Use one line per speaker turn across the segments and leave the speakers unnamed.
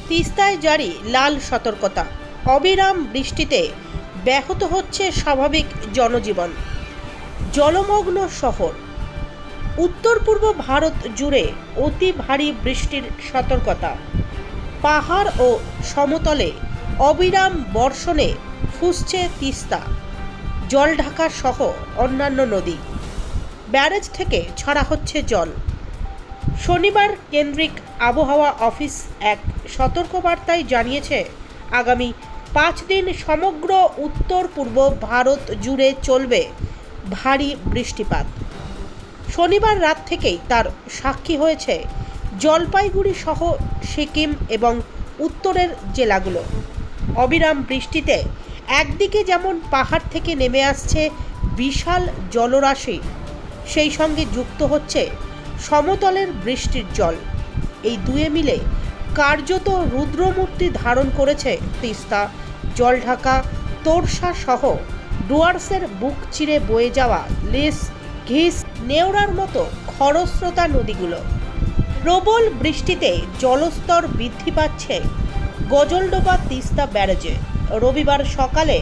তিস্তায় জারি লাল সতর্কতা। অবিরাম বৃষ্টিতে ব্যাহত হচ্ছে স্বাভাবিক জনজীবন। জলমগ্ন শহর। উত্তর পূর্ব ভারত জুড়ে অতি ভারী বৃষ্টির সতর্কতা। পাহাড় ও সমতলে অবিরাম বর্ষণে ফুঁসছে তিস্তা, জলঢাকা সহ অন্যান্য নদী। ব্যারেজ থেকে ছাড়া হচ্ছে জল। শনিবার কেন্দ্রিক আবহাওয়া অফিস এক সতর্কবার্তায় জানিয়েছে, আগামী 5 দিন সমগ্র উত্তর পূর্ব ভারত জুড়ে চলবে ভারী বৃষ্টিপাত। শনিবার রাত থেকেই তার সাক্ষী হয়েছে জলপাইগুড়ি সহ সিকিম এবং উত্তরের জেলাগুলো। অবিরাম বৃষ্টিতে একদিকে যেমন পাহাড় থেকে নেমে আসছে বিশাল জলরাশি, সেই সঙ্গে যুক্ত হচ্ছে সমতলের বৃষ্টির জল। এই দুয়ে মিলে কার্যত রুদ্রমূর্তি ধারণ করেছে তিস্তা, জলঢাকা, তোরসা সহ ডুয়ার্সের বুক চিরে বয়ে যাওয়া লিস, ঘিস, নেওড়ার মতো খরস্রোতা নদীগুলো। প্রবল বৃষ্টিতে জলস্তর বৃদ্ধি পাচ্ছে গজলডোবা তিস্তা ব্যারেজে। রবিবার সকালে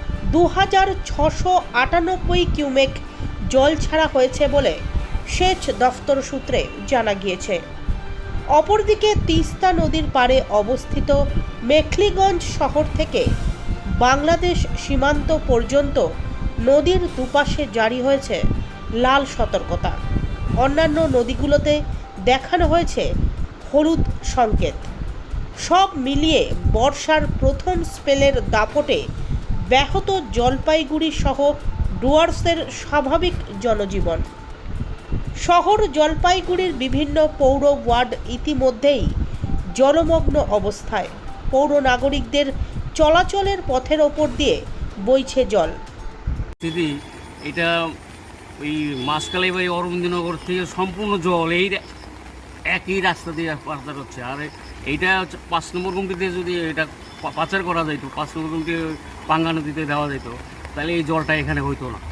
2698 কিউমেক জল ছাড়া হয়েছে বলে সেচ দফতর সূত্রে জানা গিয়েছে। অপরদিকে তিস্তা নদীর পাড়ে অবস্থিত মেখলিগঞ্জ শহর থেকে বাংলাদেশ সীমান্ত পর্যন্ত নদীর দুপাশে জারি হয়েছে লাল সতর্কতা। অন্যান্য নদীগুলোতে দেখানো হয়েছে হলুদ সংকেত। সব মিলিয়ে বর্ষার প্রথম স্পেলের দাপটে ব্যাহত জলপাইগুড়ি সহ ডুয়ার্সের স্বাভাবিক জনজীবন। শহর জলপাইগুড়ির বিভিন্ন পৌর ওয়ার্ড ইতিমধ্যেই জলমগ্ন অবস্থায়। পৌর নাগরিকদের চলাচলের পথের ওপর দিয়ে বইছে জল।
দিদি, এটা ওই মাসকালাই বাড়ি অরবিন্দনগর থেকে সম্পূর্ণ জল এই একই রাস্তা দিয়ে পাচার হচ্ছে। আর এইটা 5 নম্বর গুমটিতে যদি এটা পাচার করা যেত, 5 নম্বর গুমটি পাঙ্গা নদীতে দেওয়া যেত, তাহলে এই জলটা এখানে হইতো না।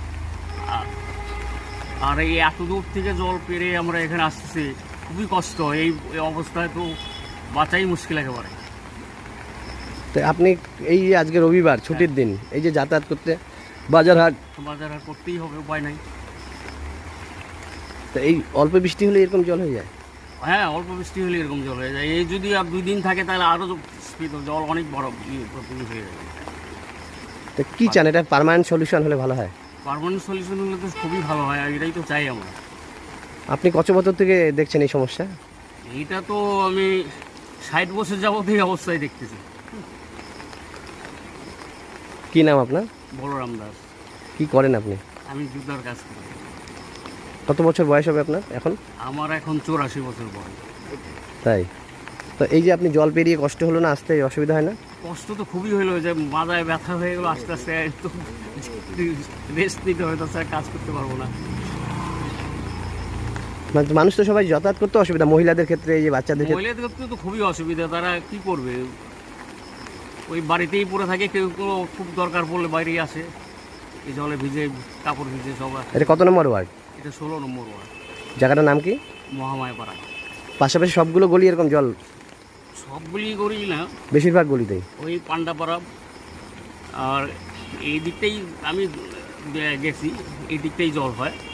আর এই এত দূর থেকে জল পেরে আমরা এখানে আসতেছি, খুবই কষ্ট। এই অবস্থায় তো বাঁচাই মুশকিল একেবারে।
তো আপনি এই যে আজকে রবিবার ছুটির দিন, এই যে যাতায়াত করতে বাজার হাট
করতেই হবে, উপায় নাই।
তো এই অল্প বৃষ্টি হলে এরকম জল হয়ে যায়?
হ্যাঁ, অল্প বৃষ্টি হলে এরকম জল হয়ে যায়। এই যদি আর 2 দিন থাকে তাহলে আরও জল অনেক বড় হয়ে যাবে।
তো কী চান, এটা পার্মানেন্ট সলিউশন হলে ভালো হয়?
পার্মানেন্ট সলিউশন হলে তো খুবই ভালো হয়, আর এটাই তো চাই আমরা।
আপনি কত বছর থেকে দেখছেন এই সমস্যা?
এইটা তো আমি 60 বছর যাবত এই অবস্থায় দেখতেছি।
কি নাম আপনার?
বলরাম দাস।
কি করেন আপনি?
আমি জুতার কাজ করি।
কত বছর বয়স হবে আপনার এখন?
আমার এখন 84 বছর বয়স।
তাই? তো এই যে আপনি জল পেরিয়ে কষ্ট হলো না, আসতে অসুবিধা হয় না?
কষ্ট তো খুবই হলো, যে মাথায় ব্যথা হয়ে গেলো, আস্তে আস্তে তো রেস্ট নিতে হয়, তাছাড়া কাজ করতে পারবো না।
মানে মানুষ তো সবাই যাতায়াত করতে অসুবিধা, মহিলাদের ক্ষেত্রে, এই যে বাচ্চাদের ক্ষেত্রে।
মহিলাদের ক্ষেত্রে তো খুবই অসুবিধা, তারা কি করবে? ওই বাড়িতেই পড়ে থাকে, কেউ কোনো খুব দরকার পড়লে বাইরেই আসে, এই জলে ভিজে, কাপড় ভিজে সবাই।
এটা কত নম্বর ওয়ার্ড?
এটা 16 নম্বর ওয়ার্ড।
জায়গাটার নাম কি?
মহামায়াপাড়া।
পাশাপাশি সবগুলো গলি এরকম জল?
সবগুলি করি না,
বেশিরভাগ গলিতেই।
ওই পান্ডাপাড়া আর এই দিকটাই আমি গেছি, এই দিকটাই জল হয়।